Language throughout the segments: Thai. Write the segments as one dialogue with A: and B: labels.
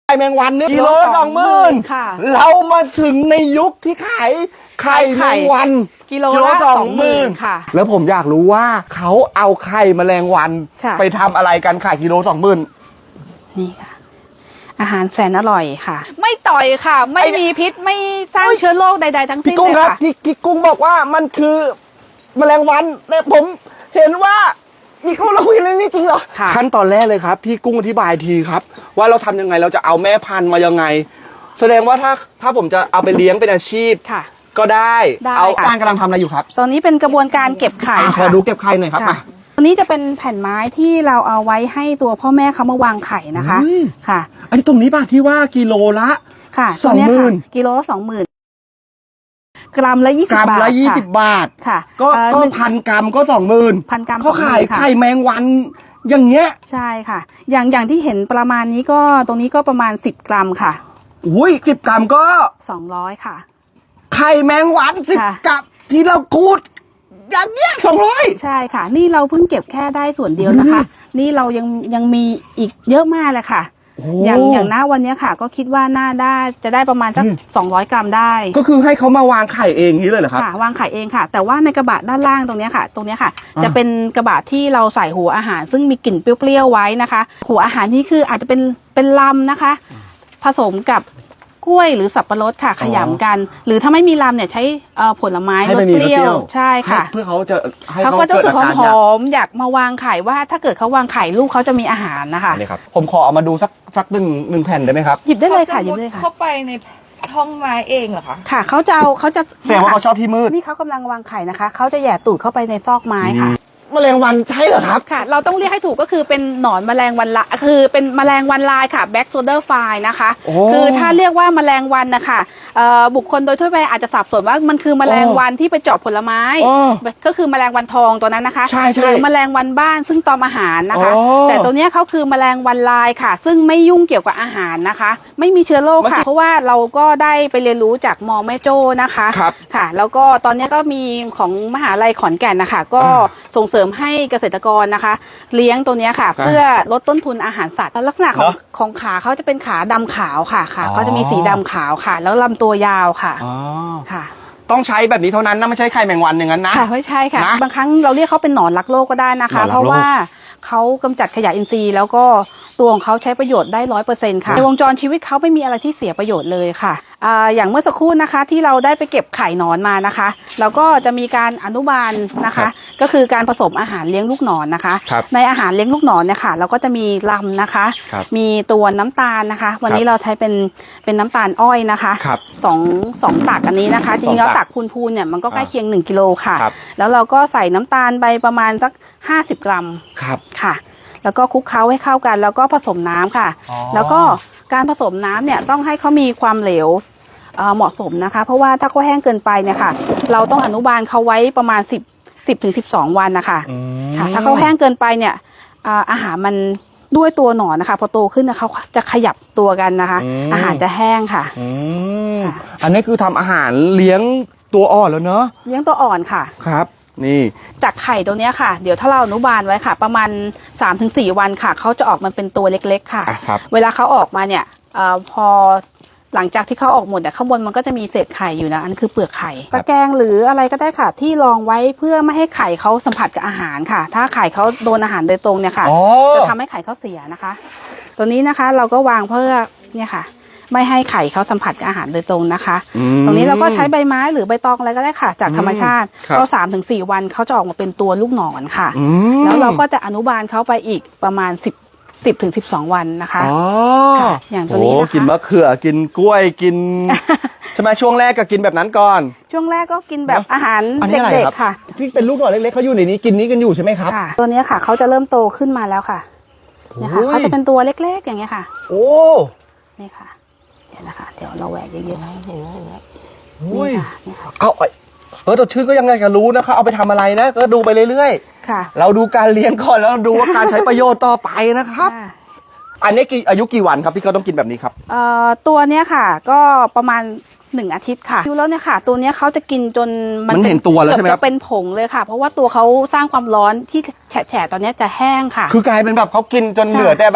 A: ไข่แมงวันเนี่ยกิโลละ20,000
B: ค่ะ
A: เรามาถึงในยุคที่ขายไข่แมงวัน
B: กิโลละ20,000ค่ะ
A: แล้วผมอยากรู้ว่าเขาเอาไข่แมลงวันไปทำอะไรกันขายกิโล20,000
B: นี่ค่ะอาหารแสนอร่อยค่ะไม่ต่อยค่ะไม่มีพิษไม่สร้างเชื้อโรคใดๆทั้งสิ้นเลยค่ะ
A: พี่กุ้งบอกว่ามันคือแมลงวันแต่ผมเห็นว่าพี่กุ้งเราคุยเรื่องนี้จริงเหรอขั้นตอนแรกเลยครับพี่กุ้งอธิบายทีครับว่าเราทำยังไงเราจะเอาแม่พันธุ์มายังไงแสดงว่าถ้าผมจะเอาไปเลี้ยงเป็นอาชีพ
B: ค่ะ
A: ก็ได้เอาการกำลังทำอะไรอยู่ครับ
B: ตอนนี้เป็นกระบวนการเก็บไข่
A: ขอดูเก็บไข่หน่อยครับ
B: ตัวนี้จะเป็นแผ่นไม้ที่เราเอาไว้ให้ตัวพ่อแม่เขามาวางไข่นะคะค่ะ
A: อันนี้ตรงนี้ป่ะที่ว่ากิโลละ
B: ค่ะ
A: 20,000
B: กิโลละ20,000กรัมละ20 บาท
A: กรัมละ20 บาท
B: ค่ะ
A: ก็1,000 กรัมก็20,000
B: 1,000 กรัม
A: เขาขายไข่แมงวันอย่างเงี้ย
B: ใช่ค่ะอย่างที่เห็นประมาณนี้ก็ตรงนี้ก็ประมาณ10 กรัมค่ะ
A: อุ้ย10 กรัมก็
B: 200ค่ะ
A: ไข่แมงวัน10 กรัมที่เราคูดอย่างเงี้ย200
B: ใช่ค่ะนี่เราเพิ่งเก็บแค่ได้ส่วนเดียวนะคะนี่เรายังมีอีกเยอะมากเลยค่ะอย่างหน้าวันนี้ค่ะก็คิดว่าน่าได้จะได้ประมาณสัก200 กรัมได้
A: ก็คือให้เขามาวางไข่เองนี้เลยเหรอครับ
B: ค่ะวางไข่เองค่ะแต่ว่าในกระบะด้านล่างตรงนี้ค่ะจะเป็นกระบะที่เราใส่หัวอาหารซึ่งมีกลิ่นเปรี้ยวๆไว้นะคะหัวอาหารนี่คืออาจจะเป็นลำนะคะผสมกับกล้วยหรือสับปะรดค่ะขยำกันหรือถ้าไม่มีลำเนี่ยใช้ผลไม้รสเปรี้ยวใช่ค่ะ
A: เพื่อเขาจะให้
B: เขาก็จะรู้สึกหอมอยากมาวางไข่ว่าถ้าเกิดเขาวางไข่ลูกเขาจะมีอาหารนะคะ
A: นี่ครับผมขอเอามาดูสักหนึ่งแผ่นได้ไหมครับ
B: หยิบได้เลยค่ะหยิบได้ค่ะ
C: เข้าไปในห้องไม้เองเหรอคะ
B: ค่ะเขาจะ
A: แสดงว่าเขาชอบที่มืด
B: นี่เขากำลังวางไข่นะคะเขาจะแหย่ตูดเข้าไปในซอกไม้ค่ะ
A: แมลงวันใช่เหรอครับ
B: ค่ะเราต้องเรียกให้ถูกก็คือเป็นหนอนแมลงวันละคือเป็นแมลงวันลายค่ะ Black Soldier Fly นะคะคือถ้าเรียกว่าแมลงวันนะคะบุคคลโดยทั่วไปอาจจะสับสนว่ามันคือแมลงวันที่ไปเจาะผลไม้ก็คือแมลงวันทองตัวนั้นนะคะหรือแมลงวันบ้านซึ่งตอมอาหารนะคะแต่ตัวนี้เขาคือแมลงวันลายค่ะซึ่งไม่ยุ่งเกี่ยวกับอาหารนะคะไม่มีเชื้อโรคค่ะเพราะว่าเราก็ได้ไปเรียนรู้จากมอแม่โจ้นะคะค่ะแล้วก็ตอนนี้ก็มีของมหาลัยขอนแก่นนะคะก็ส่งเสริมให้เกษตรกรนะคะเลี้ยงตัวนี้ค่ะเพื่อลดต้นทุนอาหารสัตว์ลักษณะของขาเขาจะเป็นขาดำขาวค่ะเขาจะมีสีดำขาวค่ะแล้วลำตัวยาวค่ะค่ะ
A: ต้องใช้แบบนี้เท่านั้นนะไม่ใช่ไข่แมงวันอย่างนั้นนะ
B: ค่ะไม่ใช่ค่ะบางครั้งเราเรียกเขาเป็นหนอนรักโลกก็ได้นะคะเพราะว่าเขากำจัดขยะอินทรีย์แล้วก็ตัวของเขาใช้ประโยชน์ได้100%ค่ะในวงจรชีวิตเขาไม่มีอะไรที่เสียประโยชน์เลยค่ะอย่างเมื่อสักครู่นะคะที่เราได้ไปเก็บไข่หนอนมานะคะเราก็จะมีการอนุบาลนะคะก็คือการผสมอาหารเลี้ยงลูกหนอนนะคะในอาหารเลี้ยงลูกหนอนเนี่ยค่ะเราก็จะมีลำนะคะมีตัวน้ำตาลนะคะวันนี้เราใช้เป็นน้ำตาลอ้อยนะคะสองตักอันนี้นะคะจริงๆแล้วตักพูนๆเนี่ยมันก็ใกล้เคียง1 กิโลค่ะแล้วเราก็ใส่น้ำตาลไปประมาณสัก50 กรัมค่ะแล้วก็คลุกเคล้าให้เข้ากันแล้วก็ผสมน้ำค่ะแล้วก็การผสมน้ำเนี่ยต้องให้เขามีความเหลวเหมาะสมนะคะเพราะว่าถ้าเขาแห้งเกินไปเนี่ยค่ะเราต้องอนุบาลเขาไว้ประมาณ10 ถึง 12 วันนะคะค่ะถ้าเขาแห้งเกินไปเนี่ยอาหารมันด้วยตัวหนอนนะคะพอโตขึ้นเขาจะขยับตัวกันนะคะอาหารจะแห้งค่ะ
A: อันนี้คือทำอาหารเลี้ยงตัวอ่อนแล้วเนอะ
B: เลี้ยงตัวอ่อนค่ะ
A: ครับนี่
B: จากไข่ตัวนี้ค่ะเดี๋ยวถ้าเราอนุบาลไว้ค่ะประมาณ 3-4 วันค่ะเขาจะออกมาเป็นตัวเล็กๆค่ะเวลาเขาออกมาเนี่ยพอหลังจากที่เขาออกหมดเนี่ยข้างบนมันก็จะมีเศษไข่อยู่นะอันคือเปลือกไข่ตะแกรงหรืออะไรก็ได้ค่ะที่รองไว้เพื่อไม่ให้ไข่เขาสัมผัสกับอาหารค่ะถ้าไข่เขาโดนอาหารโดยตรงเนี่ยค่ะจะทำให้ไข่เขาเสียนะคะตัวนี้นะคะเราก็วางเพื่อเนี่ยค่ะไม่ให้ไข่เขาสัมผัสกับอาหารโดยตรงนะคะตรงนี้เราก็ใช้ใบไม้หรือใบตองอะไรก็ได้ค่ะจากธรรมชาติก็3-4 วันเขาจะออกมาเป็นตัวลูกหนอนค่ะแล้วเราก็จะอนุบาลเขาไปอีกประมาณ10 ถึง 12 วันนะคะอย่างตัวนี้นะคะ
A: กินมะเขือกินกล้วยกินใช่ไหมช่วงแรกก็กินแบบนั้นก่อน
B: ช่วงแรกก็กินแบบอาหารเด็กๆค่ะ
A: ที่เป็นลูกหนอนเล็กๆเขาอยู่ในนี้กินนี้กันอยู่ใช่ไหมครับ
B: ตัวนี้ค่ะเขาจะเริ่มโตขึ้นมาแล้วค่ะเนี่ยค่ะเขาจะเป็นตัวเล็กๆอย่างเงี้ยค่ะ
A: โอ้
B: นี่ค่ะเดี๋ยวนะคะเดี๋ยวเราแหวกเยอะๆเห็นไหม
A: นี่ค่ะเอาตัวชื่อก็ยังไงก็รู้นะคะเอาไปทำอะไรนะก็ดูไปเรื่อยๆค่ะเราดูการเลี้ยงก่อนแล้วดูว่าการใช้ประโยชน์ต่อไปนะครับอันนี้อายุกี่วันครับที่เขาต้องกินแบบนี้ครับ
B: ตัวเนี้ยค่ะก็ประมาณ1 อาทิตย์ค่ะดูแล้วเนี่ยค่ะตัวเนี้ยเขาจะกินจน
A: มันเห็นตัวแล้วใช่ไหมครับ
B: จะเป็นผงเลยค่ะเพราะว่าตัวเขาสร้างความร้อนที่แฉะตอนนี้จะแห้งค่ะ
A: คือกลายเป็นแบบเขากินจนเหลือแต่แบบ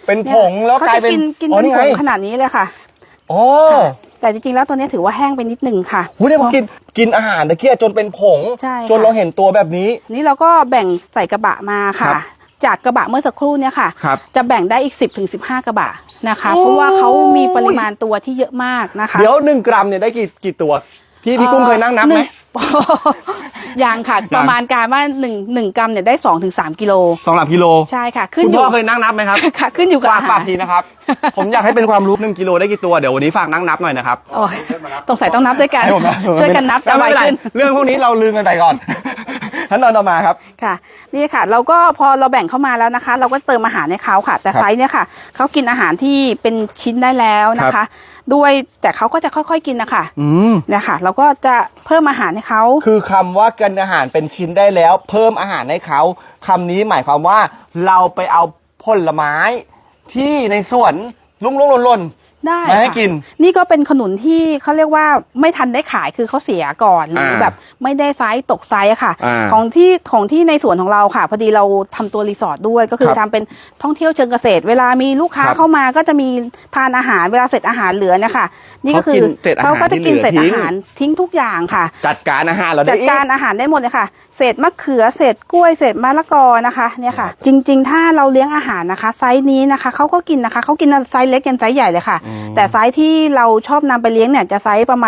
A: เป็นผงแล้วกลายเป็น
B: กินเป็นผงขนาดนี้เลยค่ะ
A: อ๋อ
B: แต่จริงๆแล้วตัวนี้ถือว่าแห้งไปนิดนึงค่ะ
A: หูเนี่ยผมกินอาหารตะเกียจนเป็นผง
B: ใช่
A: จนเราเห็นตัวแบบนี้
B: นี่เราก็แบ่งใส่กระบะมา
A: ครั
B: ค่ะ
A: บ
B: จากกระบะเมื่อสักครู่เนี่ยค่ะ
A: ครับ
B: จะแบ่งได้อีก 10-15 กระบะนะคะ
A: โอ้ย
B: เพราะว่าเขามีปริมาณตัวที่เยอะมากนะคะ
A: เดี๋ยว1 กรัมเนี่ยได้กี่ตัว พี่กุ้งเคยนั่งนับไหม
B: ยังค่ะ
A: ยัง
B: ประมาณการว่า1กรัมเนี่ยได้2-3 กิโล
A: 2-3 กิโล
B: ใช่ค่ะขึ้น
A: คุณ
B: อ
A: พ่
B: ยู่
A: อเคยนั่งนับไหมครับ
B: ค่ะขึ้นอยู่กับอาหา
A: ฝาร กทีนะครับ ผมอยากให้เป็นความรู้1 กิโลได้กี่ตัวเดี๋ยววันนี้ฝากนั่งนับหน่อยนะครับ
B: โอ้ยสงสัยต้องนับด้วยกัน
A: ให้ผมนะ
B: ช่วยกันนับจะไว
A: ไม่เป็นไร
B: ขึ้น
A: เรื่องพวกนี้เราลืมกันไปก่อนขั้นตอนต่อมาครับ
B: ค่ะนี่ค่ะเราก็พอเราแบ่งเข้ามาแล้วนะคะ เราก็เติมอาหารให้เขาค่ะ แต่
A: ครับ
B: ไซส์เนี่ยค่ะเขากินอาหารที่เป็นชิ้นได้แล้วนะ
A: ครั
B: คะ
A: บ
B: ด้วยแต่เขาก็จะค่อยๆกินนะคะ
A: อืม
B: เนี่ยค่ะเราก็จะเพิ่มอาหารให้เขา
A: คือคำว่ากินอาหารเป็นชิ้นได้แล้ว เพิ่มอาหารให้เขาคำนี้หมายความว่าเราไปเอาผลไม้ที่ในสวนลุ่งๆหล่น
B: ได้
A: มาให้
B: ค่ะ
A: กิน
B: นี่ก็เป็นขนุนที่เขาเรียกว่าไม่ทันได้ขายคือเขาเสียก่อนหรือแบบไม่ได้ไซส์ตกไซส์อะค่ะ
A: อ่า
B: ของที่ในสวนของเราค่ะ พอดีเราทำตัวรีสอร์ทด้วยก็คือ
A: ครับ
B: ทำเป็นท่องเที่ยวเชิงเกษตร เวลามีลูกค้า
A: ครับ
B: เข้ามาก็จะมีทานอาหารเวลาเสร็จอาหารเหลือเนี่ยค่ะ นี่ก็คือ
A: เขากินเศษอาหาร
B: เขาก็จะกิน
A: ที่เหลือ
B: เศษอาหารทิ้งทุกอย่างค่ะ
A: จัดการอาหารเรา
B: จั
A: ได้
B: ด
A: อีก
B: การอาหารได้หมดเลยค่ะ เศษมะเขือ เศษกล้วย เศษมะละกอนะคะ เนี่ยค่ะ จริงๆ ถ้าเราเลี้ยงอาหารนะคะ ไซส์นี้นะคะเขาก็กินนะคะเขากินไซส์เล็กยันไซส์ใหญ่เลยค่ะ แต่ไซส์ที่เราชอบนำไปเลี้ยงเนี่ยจะไซส์ประ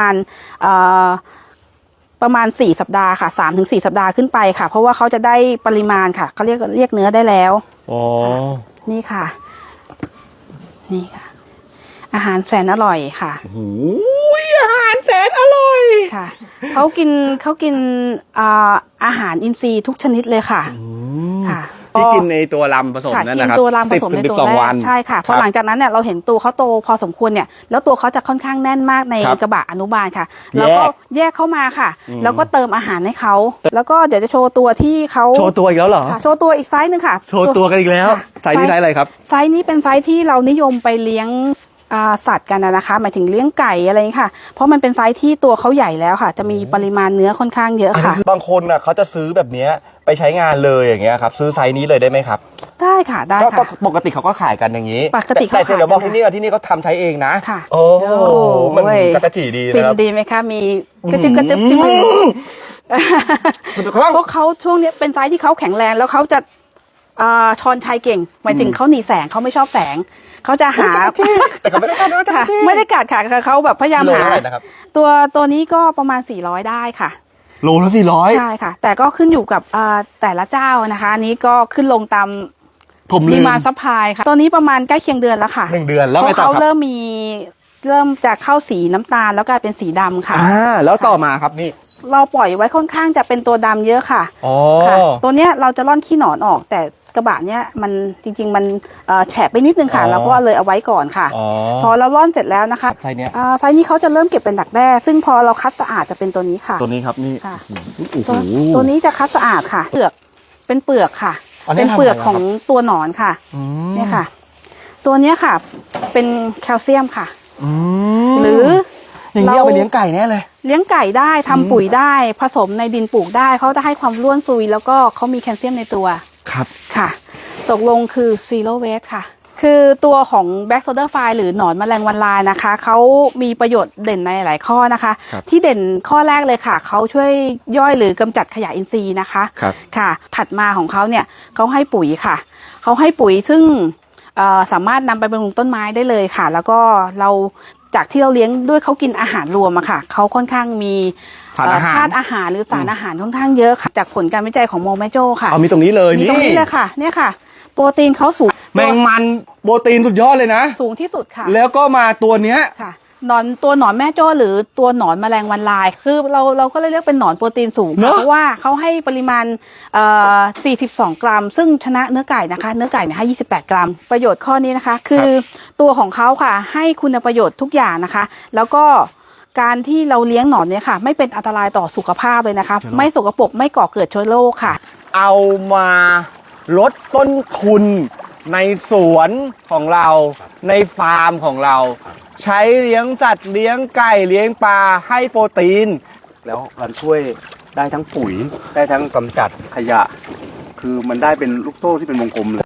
B: มาณ4 สัปดาห์ค่ะ3-4 สัปดาห์ขึ้นไปค่ะ เพราะว่าเขาจะได้ปริมาณค่ะเขาเรียกเนื้อได้แล้ว
A: อ๋อ
B: นี่ค่ะ นี่ค่ะ อาหารแสนอร่อยค่ะ
A: หูยอาหารแสนอร่อย
B: ค่ะเขากินอาหารอินทรีย์ทุกชนิดเลยค่ะ ค่ะ
A: ที่กินในตัวลำผสม
B: ค่ะ
A: นั่น
B: กิ
A: นะครับ
B: ตัวรามผสมในตัว
A: 10-12
B: แร
A: วั
B: ก
A: น
B: ใช่ค่ะพอหลังจากนั้นเนี่ยเราเห็นตัวเขาโตพอสมควรเนี่ยแล้วตัวเขาจะค่อนข้างแน่นมากใน
A: ครับ
B: กระบะอนุบาลค่ะแล้วก็แยกเข้ามาค่ะ แล้วก็เติมอาหารให้เขาแล้วก็เดี๋ยวจะโชว์ตัวที่เขา
A: โชว์ตัวอีกแล้วเหรอ
B: ค่ะโชว์ตัวอีกไซส์หนึ่งค่ะ
A: โชว์ตัวกันอีกแล้ว
B: ค่ะ
A: ไซส์นี้ไซส์อะไรครับ
B: ไซส์นี้เป็นไซส์ที่เรานิยมไปเลี้ยงสัตว์กันนะคะหมายถึงเลี้ยงไก่อะไรอย่างนี้ค่ะ เพราะมันเป็นไซส์ที่ตัวเขาใหญ่แล้วค่ะ จะมีปริมาณเนื้อค่อนข้างเยอะค่ะ
A: บางคนน่ะเขาจะซื้อแบบเนี้ยไปใช้งานเลยอย่างเงี้ยครับซื้อไซส์นี้เลยได้ไหมครับ
B: ได้ค่ะได้
A: ก็
B: ค่ะ
A: ปกติเขาก็ขายกันอย่างนี้
B: ปกติเขา
A: แต่เดี๋ยวบอก
B: ขายกัน
A: ที่นี่เขาทำใช้เองนะ
B: ค่ะ
A: โอ้
B: โอ้
A: มัน
B: เว้ย
A: จักระจีดี
B: ฟิ
A: นะ
B: น
A: ครับ
B: ดีไหมคะมีกระจึบกระจึบที่มือ
A: มันจะคล่อง
B: พวกเขาช่วงนี้เป็นไซส์ที่เขาแข็งแรงแล้วเขาจะชอนชัยเก่งหมายถึงเขาหนีแสงเขาไม่ชอบแสงเขาจะหา
A: แต่เขาไม่ได้กัดนะ
B: ค่ะไม่ได้กัดค่ะเขาแบบพยายาม
A: กิโล
B: หา
A: เท่าไหร่นะครับ
B: ตัวนี้ก็ประมาณ400ได้ค่ะ
A: โลละ400
B: ใช่ค่ะ แต่ก็ขึ้นอยู่กับแต่ละเจ้านะคะอันนี้ก็ขึ้นลงตาม
A: ผม
B: ป
A: ลื
B: ริ
A: ม
B: มาณซัพพลายค่ะตัวนี้ประมาณใกล้เคียงเดือนแล้วค่ะ
A: 1 เดือนแล้ว
B: เพ
A: ไง
B: ราะ
A: ต่อ
B: เขา
A: ครับ
B: เริ่มจะเข้าสีน้ำตาลแล้วกลายเป็นสีดำค่ะ
A: แล้วต่อมาครับนี่
B: เราปล่อยไว้ค่อนข้างจะเป็นตัวดำเยอะค่ะ
A: อ๋อ
B: ค่ะตัวเนี้ยเราจะร่อนขี้หนอนออก แต่กระบะเนี้ยมันจริงๆมันแฉะไปนิดนึงค่ะเราก็เลยเอาไว้ก่อนค่ะ
A: อ๋อ
B: พอเราร่อนเสร็จแล้วนะคะ
A: ไซส์เนี้ย
B: ไซส์นี้เขาจะเริ่มเก็บเป็นดักแด้ซึ่งพอเราคัดสะอาดจะเป็นตัวนี้ค่ะ
A: ตัวนี้ครับนี่
B: ค่ะ
A: โอ้โห
B: ตัวนี้จะคัดสะอาดค่ะเปลือกเป็นเปลือกค่ะ
A: อันนี้
B: เป็นเปลือก
A: ทำอะไร
B: ของตัวหนอนค่ะ
A: อืม
B: เนี่ยค่ะ ตัวเนี้ยค่ะ เป็นแคลเซียมค่ะ
A: อืม
B: หรือ
A: อย่างนี้เอาไปเลี้ยงไก่แน่เลย
B: เลี้ยงไก่ได้ทำปุ๋ยได้ผสมในดินปลูกได้เขาจะให้ความร่วนซุย แล้วก็เขามีแคลเซียมในตัว
A: ครับ
B: ค่ะ ตกลงคือ zero waste ค่ะ คือตัวของ black soldier fly หรือหนอนแมลงวันลายนะคะเขามีประโยชน์เด่นในหลายข้อนะคะ
A: ครับ
B: ที่เด่นข้อแรกเลยค่ะเขาช่วยย่อยหรือกำจัดขยะอินทรีย์นะคะ
A: ครับ
B: ค่ะ ถัดมาของเขาเนี่ยเขาให้ปุ๋ยค่ะเขาให้ปุ๋ยซึ่งสามารถนำไปบำรุงต้นไม้ได้เลยค่ะ แล้วก็เราจากที่เราเลี้ยงด้วยเขากินอาหารรวมอะค่ะเขาค่อนข้างมี
A: สารอาหาร
B: ธาตุอาหารหรือสารอาหารค่อนข้างเยอะค่ะจากผลการวิจัยของโมแมโจค่ะ
A: เอามีตรงนี้เลย
B: มีตรงนี้เลยค่ะ เนี่ยค่ะ โปรตีนเขาสูง
A: แมงมันโปรตีนสุดยอดเลยนะ
B: สูงที่สุดค่ะ
A: แล้วก็มาตัวเนี้ย
B: ค่ะตัวหนอนแม่โจ้หรือตัวหนอนแมลงวันลาย คือเราก็เลยเรียกเป็นหนอนโปรตีนสูง
A: เน
B: ค่ะ
A: อะ
B: เพราะว่าเขาให้ปริมาณ42 กรัม ซึ่งชนะเนื้อไก่นะคะ เนื้อไก่เนี่ยให้28 กรัม ประโยชน์ข้อนี้นะคะ คือตัวของเขาค่ะ ให้คุณประโยชน์ทุกอย่างนะคะ แล้วก็การที่เราเลี้ยงหนอนเนี่ยค่ะ ไม่เป็นอันตรายต่อสุขภาพเลยนะคะ ไม่สกปรกไม่ก่อเกิดเชื้อโรคค่ะ
A: เอามาลดต้นทุนในสวนของเราในฟาร์มของเรา ใช้เลี้ยงสัตว์เลี้ยงไก่เลี้ยงปลาให้โปรตีน
D: แล้วมันช่วยได้ทั้งปุ๋ยได้ทั้งกำจัดขยะ คือมันได้เป็นลูกโซ่ที่เป็นวงกลมเลย